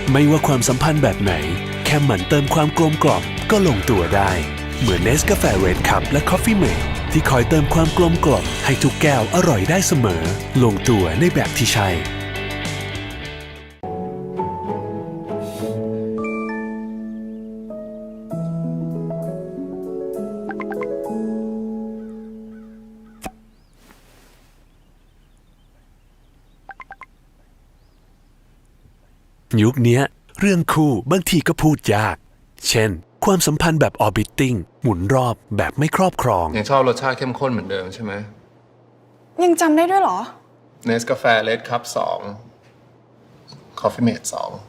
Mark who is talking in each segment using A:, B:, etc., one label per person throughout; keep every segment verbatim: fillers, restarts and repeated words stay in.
A: ไม่ว่าความสัมพันธ์แบบไหนแค่หมั่นเติมความกลมกล่อมก็ลงตัวได้เหมือน Nescafe Red Cup และ Coffee Mate ที่คอยเติมความกลมกล่อมให้ทุกแก้วอร่อยได้เสมอลงตัวในแบบที่ใช่ยุคนี้เรื่องคู่บางทีก็พูดยากเช่นความสัมพันธ์แบบ orbiting หมุนรอบแบบไม่ครอบครอง
B: ยังชอบรสชาติเข้มข้นเหมือนเดิมใช่ไหม
C: ยังจำได้ด้วยเหรอ
B: เนสกาแฟเลดคัพสองคอฟฟี่เมดสอง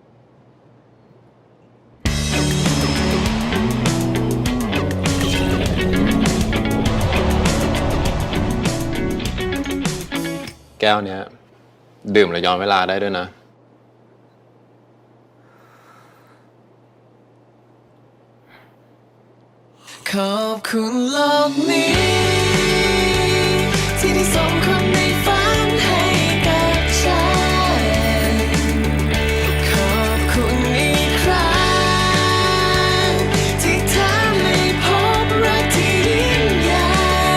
B: แก้วเนี้ยดื่มแล้วย้อนเวลาได้ด้วยนะ
D: ขอบคุณโลกนี้ที่ได้ส่งคนในฝันให้กับฉันขอบคุณอีกครั้งที่ทำให้พบรักที่ยิ่งใหญ่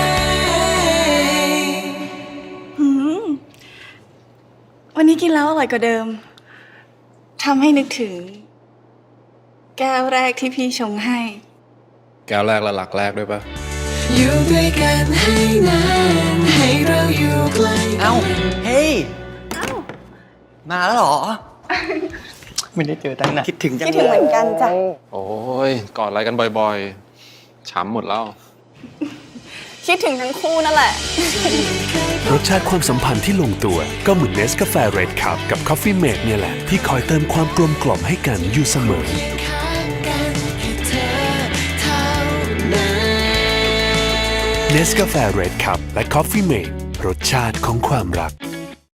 C: วันนี้กินแล้วอร่อยกว่าเดิมทำให้นึกถึงแก้วแรกที่พี่ชงให้
B: แก้วแรกและหลักแรกด้วยปะ
D: อยู่ด้วยกันให้นานให้เราอยู่ใกล้
E: เอ้าเฮ้ยมาแล้วเหรอ ไม่ได้เจอตั้งนานคิดถึงจังเลย
C: คิดถึงเหมือนกันจ้ะ
B: โอ้ยกอดอะไรกันบ่อยๆช้ำหมดแล้ว
C: คิดถึงทั้งคู่นั่นแหละ
A: รสชาติความสัมพันธ์ที่ลงตัวก็เหมือน Nescafe Red Cup กับ Coffee Mate เนี่ยแหละที่คอยเติมความกลมกล่อมให้กันอยู่เสมอNescafe Red Cup และ Coffee Mate รสชาติของความรัก